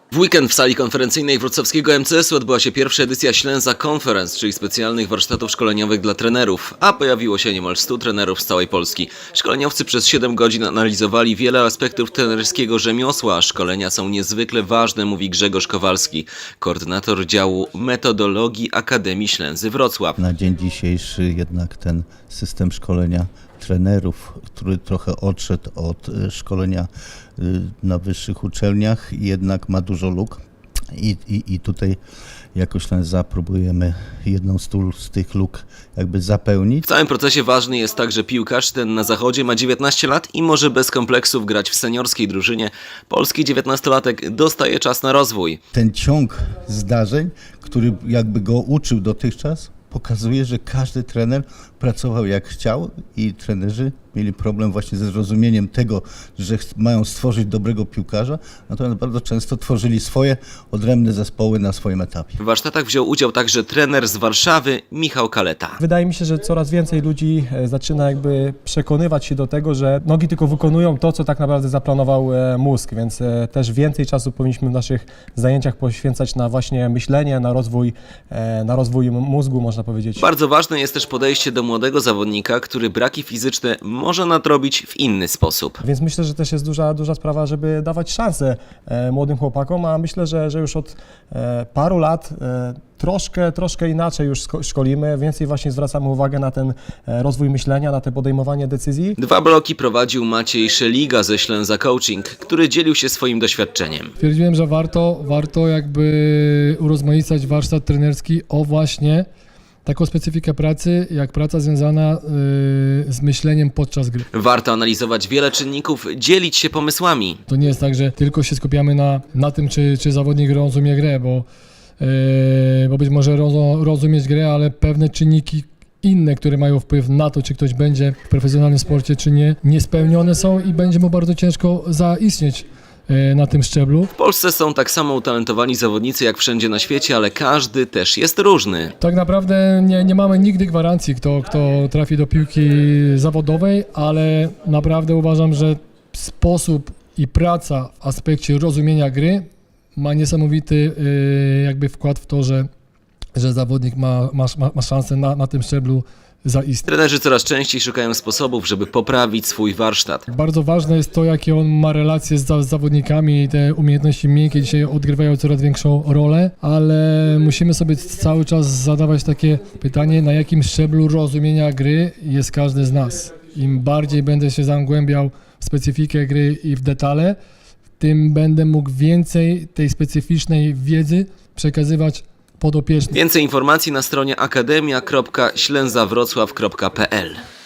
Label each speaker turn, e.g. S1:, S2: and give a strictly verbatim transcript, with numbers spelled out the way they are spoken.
S1: W weekend w sali konferencyjnej wrocławskiego M C S-u odbyła się pierwsza edycja Ślęza Conference, czyli specjalnych warsztatów szkoleniowych dla trenerów, a pojawiło się niemal stu trenerów z całej Polski. Szkoleniowcy przez siedem godzin analizowali wiele aspektów trenerskiego rzemiosła, a szkolenia są niezwykle ważne, mówi Grzegorz Kowalski, koordynator działu metodologii Akademii Ślęzy Wrocław.
S2: Na dzień dzisiejszy jednak ten system szkolenia trenerów, który trochę odszedł od szkolenia na wyższych uczelniach, jednak ma dużo luk i, i, i tutaj jako Ślęza próbujemy jedną z, tu, z tych luk jakby zapełnić.
S1: W całym procesie ważny jest także piłkarz, ten na zachodzie ma dziewiętnaście lat i może bez kompleksów grać w seniorskiej drużynie. Polski dziewiętnastolatek dostaje czas na rozwój.
S2: Ten ciąg zdarzeń, który jakby go uczył dotychczas, pokazuje, że każdy trener pracował jak chciał i trenerzy mieli problem właśnie ze zrozumieniem tego, że mają stworzyć dobrego piłkarza, natomiast bardzo często tworzyli swoje odrębne zespoły na swoim etapie.
S1: W warsztatach wziął udział także trener z Warszawy, Michał Kaleta.
S3: Wydaje mi się, że coraz więcej ludzi zaczyna jakby przekonywać się do tego, że nogi tylko wykonują to, co tak naprawdę zaplanował mózg, więc też więcej czasu powinniśmy w naszych zajęciach poświęcać na właśnie myślenie, na rozwój, na rozwój mózgu, można powiedzieć.
S1: Bardzo ważne jest też podejście do młodego zawodnika, który braki fizyczne może nadrobić w inny sposób.
S3: Więc myślę, że też jest duża, duża sprawa, żeby dawać szansę e, młodym chłopakom, a myślę, że, że już od e, paru lat e, troszkę, troszkę inaczej już szkolimy, więcej właśnie zwracamy uwagę na ten e, rozwój myślenia, na te podejmowanie decyzji.
S1: Dwa bloki prowadził Maciej Szeliga ze Ślęza Coaching, który dzielił się swoim doświadczeniem.
S4: Stwierdziłem, że warto, warto jakby urozmaicać warsztat trenerski o właśnie taką specyfikę pracy, jak praca związana yy, z myśleniem podczas gry.
S1: Warto analizować wiele czynników, dzielić się pomysłami.
S4: To nie jest tak, że tylko się skupiamy na, na tym, czy, czy zawodnik rozumie grę, bo, yy, bo być może roz, rozumieć grę, ale pewne czynniki inne, które mają wpływ na to, czy ktoś będzie w profesjonalnym sporcie, czy nie, niespełnione są i będzie mu bardzo ciężko zaistnieć na tym szczeblu.
S1: W Polsce są tak samo utalentowani zawodnicy jak wszędzie na świecie, ale każdy też jest różny.
S4: Tak naprawdę nie, nie mamy nigdy gwarancji, kto, kto trafi do piłki zawodowej, ale naprawdę uważam, że sposób i praca w aspekcie rozumienia gry ma niesamowity jakby wkład w to, że, że zawodnik ma, ma, ma szansę na, na tym szczeblu zaistnieć.
S1: Trenerzy coraz częściej szukają sposobów, żeby poprawić swój warsztat.
S4: Bardzo ważne jest to, jakie on ma relacje z, z zawodnikami i te umiejętności miękkie dzisiaj odgrywają coraz większą rolę, ale musimy sobie cały czas zadawać takie pytanie, na jakim szczeblu rozumienia gry jest każdy z nas. Im bardziej będę się zagłębiał w specyfikę gry i w detale, tym będę mógł więcej tej specyficznej wiedzy przekazywać podopiecznym.
S1: Więcej informacji na stronie akademia kropka ślęzawrocław kropka p l.